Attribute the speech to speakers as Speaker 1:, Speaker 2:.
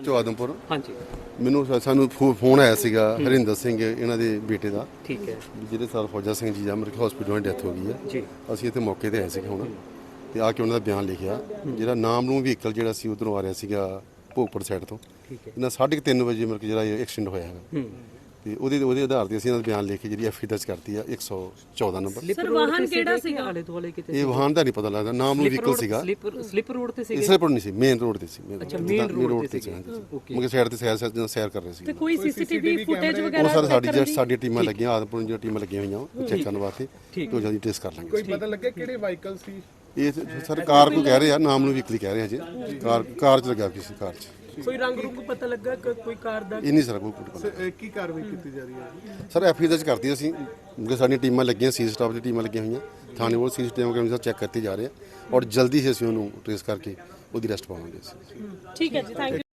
Speaker 1: ਚੋ ਆਦਮਪੁਰ।
Speaker 2: ਹਾਂਜੀ
Speaker 1: ਮੈਨੂੰ ਸਾਨੂੰ ਫੋਨ ਆਇਆ ਸੀਗਾ ਹਰਿੰਦਰ ਸਿੰਘ ਇਹਨਾਂ ਦੇ ਬੇਟੇ ਦਾ,
Speaker 2: ਠੀਕ ਹੈ
Speaker 1: ਜਿਹੜੇ ਸਰ ਫੌਜਾ ਸਿੰਘ ਜੀ ਆ ਮੇਰੇ ਹਸਪੀਟਲ ਵਿੱਚ ਡੈਥ ਹੋ ਗਈ ਹੈ
Speaker 2: ਜੀ।
Speaker 1: ਅਸੀਂ ਇੱਥੇ ਮੌਕੇ ਤੇ ਆਏ ਸੀਗੇ ਹੁਣ, ਤੇ ਆ ਕੇ ਉਹਨਾਂ ਦਾ ਬਿਆਨ ਲਿਖਿਆ। ਜਿਹੜਾ ਨਾਮ ਨੂੰ ਵਹੀਕਲ ਜਿਹੜਾ ਸੀ ਉਧਰੋਂ ਆ ਰਿਹਾ ਸੀਗਾ ਭੋਗਪੁਰ ਸਾਈਡ ਤੋਂ,
Speaker 2: ਠੀਕ ਹੈ।
Speaker 1: ਇਹਨਾਂ 3:30 ਵਜੇ ਮੇਰੇ ਜਿਹੜਾ ਐਕਸੀਡੈਂਟ ਹੋਇਆ ਹੈਗਾ, ਤੇ ਉਹਦੇ ਆਧਾਰ ਤੇ ਅਸੀਂ ਇਹਨਾਂ ਦਾ ਬਿਆਨ ਲਿਖ ਕੇ ਜਿਹੜੀ ਐਫ ਦਰਜ ਕਰਤੀ ਆ 114 ਨੰਬਰ।
Speaker 2: ਸਰ ਵਾਹਨ ਕਿਹੜਾ ਸੀਗਾ? ਆਲੇ ਦੁਆਲੇ ਕਿਤੇ
Speaker 1: ਇਹ ਵਾਹਨ ਦਾ ਨਹੀਂ ਪਤਾ ਲੱਗਦਾ, ਨਾਮ ਨੂੰ ਵਹੀਕਲ ਸੀਗਾ।
Speaker 2: ਸਲਿੱਪ ਰੋਡ ਤੇ ਸੀਗਾ?
Speaker 1: ਇਸੇ ਪਰ ਨਹੀਂ ਸੀ, ਮੇਨ ਰੋਡ ਤੇ ਸੀ।
Speaker 2: ਅੱਛਾ ਮੇਨ ਰੋਡ ਤੇ ਸੀ।
Speaker 1: ਮੁਕੇ ਸਾਈਡ ਤੇ ਸੈਰ ਕਰ ਰਹੇ ਸੀ।
Speaker 2: ਤੇ ਕੋਈ ਸੀਸੀਟੀਵੀ ਫੁਟੇਜ ਵਗੈਰਾ?
Speaker 1: ਉਹ ਸਰ ਸਾਡੀ ਟੀਮਾਂ ਲੱਗੀਆਂ, ਆਦਮਪੁਰ ਦੀਆਂ ਟੀਮਾਂ ਲੱਗੀਆਂ ਹੋਈਆਂ ਉਹ ਚੈੱਕ ਕਰਨ ਵਾਸਤੇ, ਤੋਂ ਜਲਦੀ ਟੈਸਟ ਕਰ ਲਾਂਗੇ।
Speaker 3: ਕੋਈ ਪਤਾ ਲੱਗਿਆ ਕਿਹੜੇ ਵਾਹੀਕਲ ਸੀ
Speaker 1: ਇਹ? ਸਰ ਕਾਰ ਕੋਈ ਕਹਿ ਰਹੇ ਆ, ਨਾਮ ਨੂੰ ਵਹੀਕਲ ਕਹਿ ਰਹੇ ਹਜੇ। ਕਾਰ ਚ ਲੱਗਾ ਕਿਸੇ ਕਾਰ ਚ।
Speaker 3: ਕੋਈ ਰੰਗ ਰੁੰਗ ਪਤਾ ਲੱਗਾ ਕੋਈ ਕਾਰ ਦਾ?
Speaker 1: ਇਹ ਨਹੀਂ ਸਰ ਕੋਈ ਪਤਾ।
Speaker 3: ਕੀ ਕਾਰਵਾਈ ਕੀਤੀ ਜਾ ਰਹੀ ਹੈ
Speaker 1: ਸਰ ਐਫ ਦਰਜ ਕਰਤੀ ਅਸੀਂ, ਕਿਉਂਕਿ ਸਾਡੀਆਂ ਟੀਮਾਂ ਲੱਗੀਆਂ, ਸੀ ਸਟਾਫ ਦੀ ਟੀਮਾਂ ਲੱਗੀਆਂ ਹੋਈਆਂ ਥਾਣੇ ਕੋਲ, ਸੀਸੀਟੀਵੀ ਕੈਮਰੇ ਚੈੱਕ ਕਰਤੇ ਜਾ ਰਹੇ ਆ, ਔਰ ਜਲਦੀ ਹੀ ਅਸੀਂ ਉਹਨੂੰ ਟ੍ਰੇਸ ਕਰਕੇ ਉਹਦੀ ਅਰੈਸਟ ਪਾਵਾਂਗੇ ਅਸੀਂ।
Speaker 2: ਠੀਕ ਹੈ ਜੀ, ਥੈਂਕ ਯੂ।